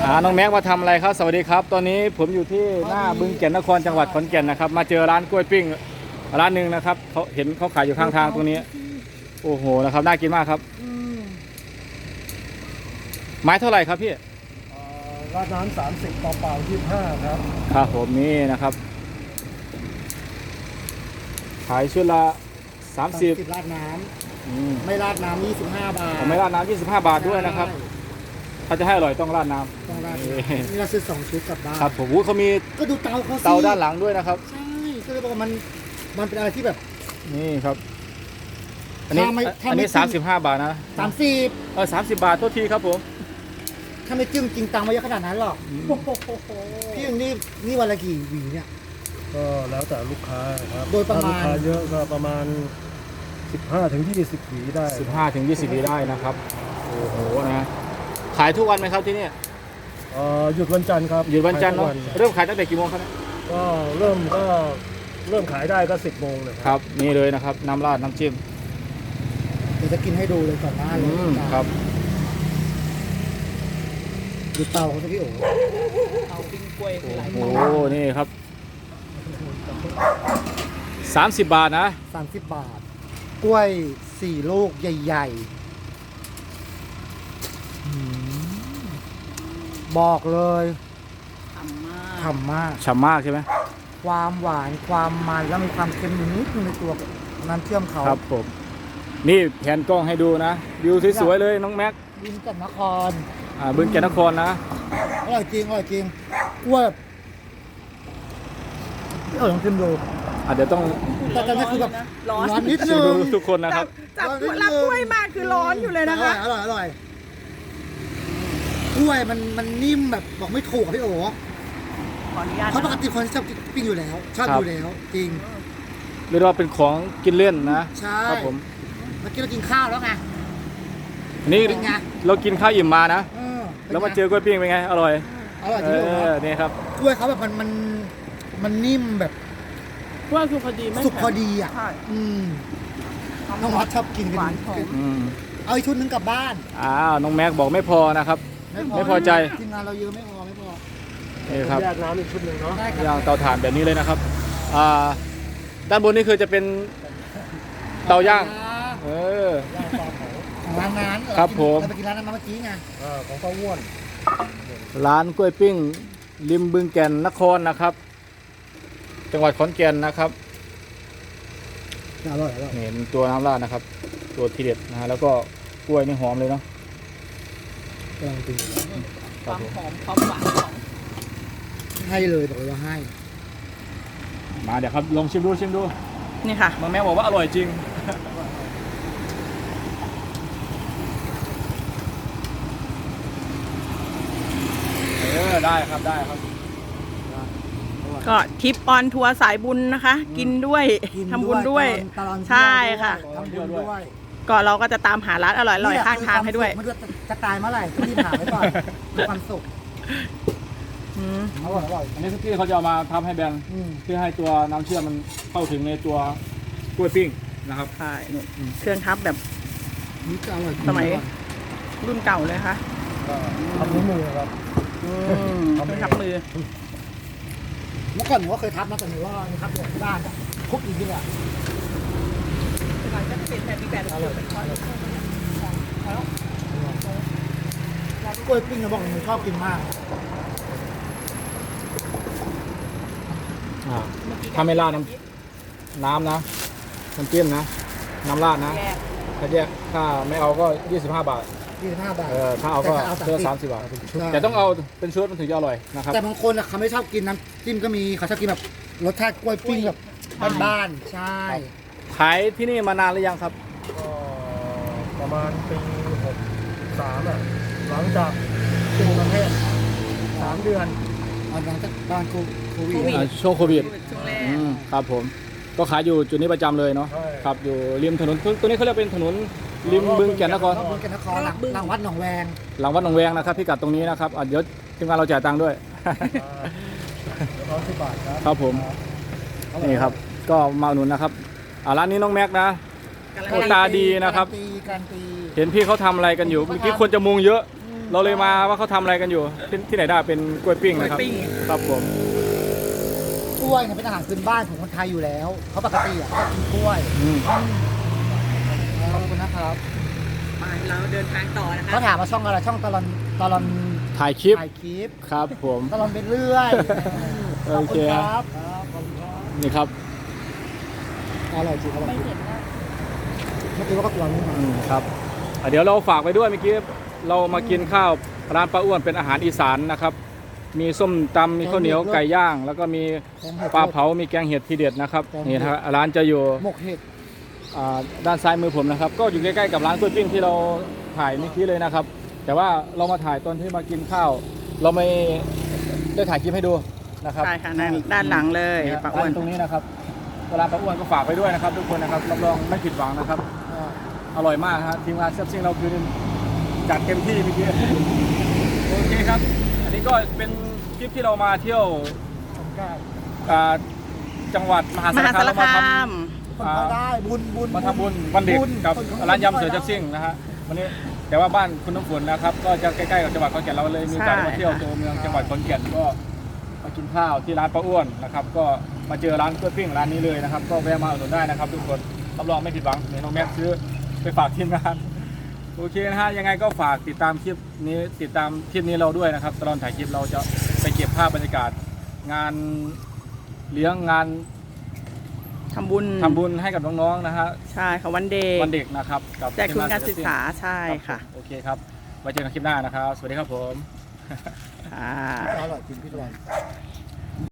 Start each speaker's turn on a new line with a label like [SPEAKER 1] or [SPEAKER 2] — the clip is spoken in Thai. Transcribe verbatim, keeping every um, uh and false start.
[SPEAKER 1] อ่าน้องแม็กมาทำอะไรครับสวัสดีครับตอนนี้ผมอยู่ที่หน้าบึงแก่นนครจังหวัดขอนแก่นนะครับมาเจอร้านกล้วยปิ้งร้านหนึ่งนะครับเขาเห็นเขาขายอยู่ข้างทางตรงนี้โอ้โหนะครับน่ากินมากครับไม้เท่าไหร่ครับพี่
[SPEAKER 2] ราดน้ำสามสิบเปล่าๆยี่สิบห้าครับ
[SPEAKER 1] ครับผมนี่นะครับขายชุดละสามสิบ
[SPEAKER 2] ราดน้ำไม่ราดน้ำยี่สิบห้าบาท
[SPEAKER 1] ไม่ราดน้ำยี่สิบห้าบาทด้วยนะครับถ้าจะให้อร่อยต้องราดน้ำ
[SPEAKER 2] ต้องราดนี่เราซื้อสองชุดกลับบ้าน
[SPEAKER 1] ครับผมเขามี
[SPEAKER 2] ก็ดูเตาเขา
[SPEAKER 1] เตาด้านหลังด้วยนะครับ
[SPEAKER 2] ใช่ก็เลยบอกว่ามันมันเป็นอะไรที่แบบ
[SPEAKER 1] นี่ครับอันนี้อันนี้สามสิบห้าบาทนะ
[SPEAKER 2] สามสิบ
[SPEAKER 1] เออสามสิบบาทโทษทีครับผม
[SPEAKER 2] ถ้าไม่จิ้มจริงตังไม่เยอะขนาดนั้นหรอกพี่นี่นี่วันละกี่หวีเนี่ยก็แล้วแต่ลูกค้าครับโดยประมาณลูกค้าเยอะก็ประมาณสิบห้าถึงยี่สิบหวีได้
[SPEAKER 1] สิบห้าถึงยี่สิบหวีได้นะครับโอ้โหนะขายทุกวันไหมครับที่นี่
[SPEAKER 2] หยุดวันจันทร์ครับ
[SPEAKER 1] หยุดวันจันทร์เนาะเริ่มขายตั้งแต่กี่โมงครับ
[SPEAKER 2] ก็เริ่มก็เริ่มขายได้ก็สิบโมงเลย
[SPEAKER 1] ครับนี่เลยนะครับน้ำราดน้ำจิ้ม
[SPEAKER 2] เดี๋ยวจะกินให้ดูเลยก่อนหน้าเลย
[SPEAKER 1] ครับ
[SPEAKER 2] ดูเตาเขาสิพี่โอ๋
[SPEAKER 1] เตาปิ้งกล้วยโอ้โหนี่ครับสามสิบบาทนะ
[SPEAKER 2] สามสิบบาทกล้วยสี่ลูกใหญ่ๆบอกเลยฉ่ำมากฉ่ำมาก
[SPEAKER 1] ฉ่ำมากใช่ไหม
[SPEAKER 2] ความหวานความมันแล้วมีความเค็มนิดนึงในตัวน้ำเชื่อมเขา
[SPEAKER 1] ครับผมนี่แผนกล้องให้ดูนะวิวสวยๆเลยน้องแม็ก
[SPEAKER 2] บึงแก่นนคร
[SPEAKER 1] อ่าบึงแก่นนครนะ
[SPEAKER 2] อร่อยจริงอร่อยจริงกล้วยเออลองชิมดู
[SPEAKER 1] อ่ะเดี๋ยวต้อง
[SPEAKER 2] แต่ตอนนี้คือแบบร้อนนิดนึง
[SPEAKER 1] ทุกคนนะครับ
[SPEAKER 3] จับรับกล้วยมากคือร้อนอยู่เลยนะคะ
[SPEAKER 2] อร่อยอร่อยกล้วยมันมันนิ่มแบบบอกไม่ถูกพี่โอ๋เพราะปกติคนชอบปิ้งอยู่แล้วชอบอยู่แล้วจริง
[SPEAKER 1] เรียกว่าเป็นของกินเล่นนะ
[SPEAKER 2] ใช่
[SPEAKER 1] ครับผม
[SPEAKER 2] เมื่อกี้เรากินข้าวแล้วไง
[SPEAKER 1] นี่เรากินข้าวอิ่มมานะแล้วมาเจอกล้วยปิ้งเป็นไงอร่อย
[SPEAKER 2] อร่อยจริง
[SPEAKER 1] นี่ครับ
[SPEAKER 2] กล้วยเขาแบบมันมันมันนิ่มแบบ
[SPEAKER 3] กล้วยสุกพอดีไหม
[SPEAKER 2] สุกพอดีอ่ะอืมน้องวัดชอบกินกันเอาอีกชุดนึงกลับบ้าน
[SPEAKER 1] อ้าวน้องแม็กบอกไม่พอนะครับไม่พอใจ
[SPEAKER 2] ทีมงานเราเยอะไม่พอไม่พอ
[SPEAKER 1] นี่ครับ
[SPEAKER 2] แยกน้ำอีกชุดหนึ่งเนาะ
[SPEAKER 1] ย่างเตาถ่านแบบนี้เลยนะครับอ่าด้านบนนี่คือจะเป็นเตาย่างเออ
[SPEAKER 2] ของร้านนั้น
[SPEAKER 1] ครับผม
[SPEAKER 2] เราไปกินร้านนั้นมาเมื่อกี้ไงของป้าอ้วน
[SPEAKER 1] ร้านกล้วยปิ้งริมบึงแก่นนครนะครับจังหวัดขอนแก่นนะครับ
[SPEAKER 2] อร่อยอร่อย
[SPEAKER 1] เห็นตัวน้ำราดนะครับตัวทีเด็ดนะฮะแล้วก็กล้วยนี่หอมเลยเนาะ
[SPEAKER 3] ความหอมความหวานของ
[SPEAKER 2] ให้เลยบอกว่าให้
[SPEAKER 1] มาเดี๋ยวครับลองชิมดูชิมดู
[SPEAKER 3] นี่ค่ะ
[SPEAKER 1] น้องแม่บอกว่าอร่อยจริงเออได้ครับได้ครับ
[SPEAKER 3] ก็ทริปออนทัวร์สายบุญนะคะกินด้วยทำบุญด้วยใช่ค่ะ
[SPEAKER 2] ทำบุญด้วย
[SPEAKER 3] ก็เราก็จะตามหาร้านอร่อยๆข้างทางให้ด้วย
[SPEAKER 2] ไม่รู้จะตายเมื่อไหร่รีบหาไว้ก่อนมีความสุขอร่อยอร่อย
[SPEAKER 1] อันนี้ที่เขาจะเอามาทำให้แบนเพื่อให้ตัวน้ำเชื่อมมันเข้าถึงในตัวกล้วยปิ้งนะครับ
[SPEAKER 3] ใช่เครื่องทับแบบสมัยรุ่นเก่าเลยค่ะ
[SPEAKER 2] ทำมือครับ
[SPEAKER 3] ทำทับมือ
[SPEAKER 2] เมื่อก่อนผมก็เคยทับนะแต่หนูว่าทับอยู่ที่บ้านคุกอีกทีอ่ะ
[SPEAKER 3] หลังจากเปลี่ยนแบบมีแบบเป็นคอน
[SPEAKER 2] กล้วยปิ้งเราบอกหนูชอบกินมาก
[SPEAKER 1] ถ้าไม่ราดน้ำน้ำนะน้ำจิ้มนะน้ำราดนะถ้าแยกถ้าไม่เอาก็ยี่สิบห้าบาท
[SPEAKER 2] ยี่สิบห้าบาท
[SPEAKER 1] เออถ้าเอาก็เพื่อสามสิบบาทแต่ต้องเอาเป็นชุดมันถึงจะอร่อยนะครับ
[SPEAKER 2] แต่บางคนเขาไม่ชอบกินน้ำจิ้มก็มีเขาชอบกินแบบรสชาติกล้วยปิ้งแบบบ้านๆใช่
[SPEAKER 1] ขายที่นี่มานานหรือยังครับ
[SPEAKER 2] ก็ประมาณปีหกสามอ่ะหลังจากช่วงประเทศสามเดือนหลังจากบ้านโควิด
[SPEAKER 1] ช่วงโควิดครับผมก็ขายอยู่จุดนี้ประจำเลยเนาะครับอยู่ริมถนนตัวนี้เขาเรียกเป็นถนนริมบึงแก่นนคร
[SPEAKER 2] บึงแก่นนครหลังวัดหนองแวง
[SPEAKER 1] หลังวัดหนองแวงนะครับพิกัดตรงนี้นะครับเดี๋ยวทีมงานเราจ่ายตังค์ด้วย
[SPEAKER 2] ร้อยสิบบาทครับ
[SPEAKER 1] ครับผมนี่ครับก็มาหนุนนะครับร้านนี้น้องแม็กนะตาดีนะครับเห็นพี่เขาทำอะไรกันอยู่เมื่อกี้คนจะมุงเยอะเราเลยมาว่าเขาทำอะไรกันอยู่ที่ที่ไหนได้เป็นกล้วยปิ้งนะครับ
[SPEAKER 3] กล้วยปิ้ง
[SPEAKER 1] ครับผม
[SPEAKER 2] กล้วยเนี่ยเป็นอาหารพื้นบ้านของคนไทยอยู่แล้วเพราะปกติอ่ะก็กินกล้วย
[SPEAKER 1] อืม
[SPEAKER 2] ขอบคุณนะครับ
[SPEAKER 3] มาเราเดินทางต่อนะคะ
[SPEAKER 2] เขาถามมาช่องอะไรช่องตลอนตลอน
[SPEAKER 1] ถ่ายคลิป
[SPEAKER 2] ถ่ายคลิป
[SPEAKER 1] ครับผม
[SPEAKER 2] ตลอนไปเรื่อย
[SPEAKER 1] โอ
[SPEAKER 2] ขอบ
[SPEAKER 1] เค
[SPEAKER 2] คุณค
[SPEAKER 1] ค
[SPEAKER 2] รั
[SPEAKER 1] รั
[SPEAKER 2] บบ ขอบคุณครับ
[SPEAKER 1] นี่ครับ
[SPEAKER 2] อร่อยจริงอร่อยจริงเมื่อกี้ว่าก็ตัวนี้มา
[SPEAKER 1] อืมครับอ่ะเดี๋ยวเราฝากไปด้วยเมื่อกี้เรามากินข้าวร้านป้าอ้วนเป็นอาหารอีสานนะครับ มีส้มตำมีข้าวเหนียวไก่ย่าง แล้วก็มี
[SPEAKER 2] แกงเห็ด
[SPEAKER 1] ปลาเผามีแกงเห็ดทีเด็ดนะครับ
[SPEAKER 2] แกงเห็ด
[SPEAKER 1] นี่นะครับร้านจะอยู่
[SPEAKER 2] หมกเห็ด
[SPEAKER 1] อ่าด้านซ้ายมือผมนะครับ ก็อยู่ใกล้ๆกับร้านกล้วยปิ้งที่เราถ่ายเมื่อกี้เลยนะครับ แต่ว่าเรามาถ่ายตอนที่มากินข้าว เราไม่ได้ถ่ายคลิปให้ดูนะครับ
[SPEAKER 3] ใช่ค่ะด้านด้านหลังเลย
[SPEAKER 1] นี่ฮะ
[SPEAKER 3] ป้าอ้วน
[SPEAKER 1] ร้านตรงนี้นะครับร้านป้าอ้วนก็ฝากไปด้วยนะครับ ทุกคนนะครับรับรองไม่ผิดหวังนะครับ
[SPEAKER 2] อ่า
[SPEAKER 1] อร่อยมากครับทีมงานเชฟซิ่งเราคือจัดเต็มที่เมื่อกี้โอเคครับ อันนี้ก็เป็นคลิปที่เรามาเที่ยว
[SPEAKER 2] ทำได้
[SPEAKER 1] อ่าจังหวัดมหาม สาร
[SPEAKER 3] หา
[SPEAKER 1] คาม
[SPEAKER 3] สาร
[SPEAKER 1] เรามา
[SPEAKER 3] คา
[SPEAKER 1] ท
[SPEAKER 3] ม
[SPEAKER 2] คนเขาได้บุญบุญ
[SPEAKER 1] ำมาทำบุญวันเด็ก
[SPEAKER 2] บุญ
[SPEAKER 1] กับ
[SPEAKER 2] คนเขา
[SPEAKER 1] ร้านยำเสือ
[SPEAKER 2] ได้
[SPEAKER 1] เชฟซิ่งนะฮะวันนี้แต่ว่าบ้านคุณน้ำฝนนะครับก็จะใกล้ๆกับจังหวัดขอนแก่นเราเลยมีโอกาสได้มาเที่ยวตัวเมืองจังหวัดขอนแก่นก็มากินข้าวที่ร้านป้าอ้วนนะครับก็มาเจอร้านกล้วยปิ้งร้านนี้เลยนะครับก็แวะมาอุดหนุนได้นะครับ ทุกคนรับรองไม่ผิดหวังเนี่ยน้องแม็กซ์ซื้อไปฝากทีมงาน โอเคนะฮะยังไงก็ฝากติดตามคลิปนี้ติดตามคลิปนี้เราด้วยนะครับตลอดถ่ายคลิปเราจะไปเก็บภาพบรรยากาศ งานเลี้ยงงาน
[SPEAKER 3] ทำบุญ
[SPEAKER 1] ทำบุญให้กับน้องๆนะฮะ
[SPEAKER 3] ใช่ค่ะวันเด็ก
[SPEAKER 1] วันเด็กนะครับกับ
[SPEAKER 3] แจกทุนการศึกษาใช่
[SPEAKER 1] รับ
[SPEAKER 3] ค่ะ
[SPEAKER 1] โอเคครับไว้เจอกันคลิปหน้านะครับ สวัสดีครับผม
[SPEAKER 3] ค่ะ
[SPEAKER 2] อร่อยจริงพี่ตลอน